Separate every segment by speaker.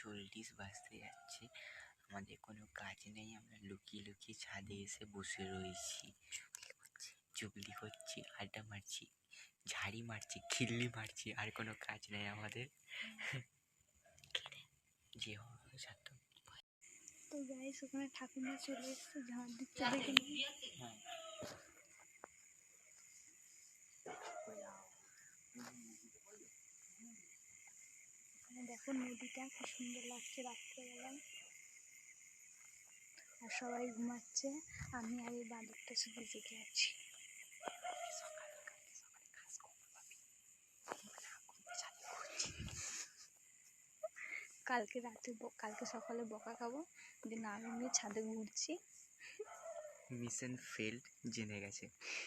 Speaker 1: 40 বাজতে যাচ্ছে, আমাদের কোনো কাজ নেই। আমরা লুকিয়ে লুকিয়ে ছাদে এসে বসে রয়েছি, চুগলি করছি, আড্ডা মারছি, ঝাড়ি মারছি, খিল্লি মারছি, আর কোনো কাজ নেই আমাদের। যে সাত
Speaker 2: তো গাইস ওখানে ঠাকুমা চলে এসেছে, ঝাড় দিচ্ছে দেখে
Speaker 1: হ্যাঁ
Speaker 2: দেখো নদীটা কি সুন্দর লাগছে রাত্রেবেলায়। আর সবাই ঘুমাচ্ছে, আমি আর এই বাঁদরটা শুধু জেগে আছি। কালকে রাতে কালকে সকালে বকা খাবো যে না আমি ছাদে ঘুরছি।
Speaker 1: মিশন ফেল্ড জেনে গেছে।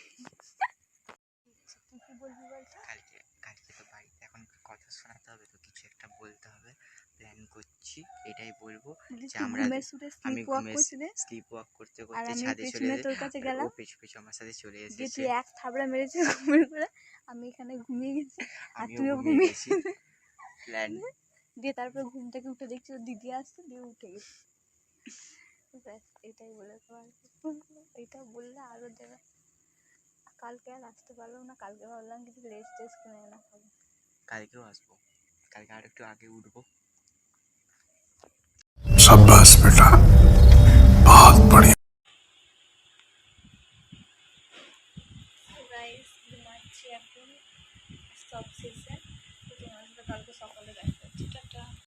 Speaker 2: তুই কি বলবি বলতো?
Speaker 1: কালকে কালকে তো বাড়িতে এখন কথা শোনাতে হবে, তো কিছু একটা বলতে হবে। প্ল্যান করছি, এটাই বলবো যে আমরা আমি স্লিপ ওয়াক করতে
Speaker 2: আর
Speaker 1: করতে
Speaker 2: আমি
Speaker 1: ছাদে চলে
Speaker 2: পেছনে তোর কাছে গেলাম,
Speaker 1: ও পিছু পিছু আমার সাথে চলে
Speaker 2: যে
Speaker 1: এসেছে।
Speaker 2: তুই এক থাবড়া মেরেছিস ঘুমের করে, আমি এখানে ঘুমিয়ে গেছি আর
Speaker 1: আমিও
Speaker 2: তুইও
Speaker 1: ঘুমিয়ে
Speaker 2: ঘুমিয়ে
Speaker 1: গেছি। প্ল্যান
Speaker 2: দিয়ে তারপর ঘুম থেকে উঠে দেখছি ওর দিদি আসছে, দিয়ে উঠে গেছি। ব্যাস এটাই বলে এটা বললে আরো দেবে। কালকে আর আসতে পারলাম না, কালকে ভাবলাম কিছু লেস টেস কিনে এনে খাবো।
Speaker 1: কালকেও আসবো, কালকে আর একটু আগে উঠবো।
Speaker 3: शाबाश बेटा, बहुत बढ़िया।
Speaker 2: গাইস ঘুমাচ্ছি এখন সব শেষে, তো তোমার সাথে কালকে সকালে দেখা হচ্ছে। টাটা।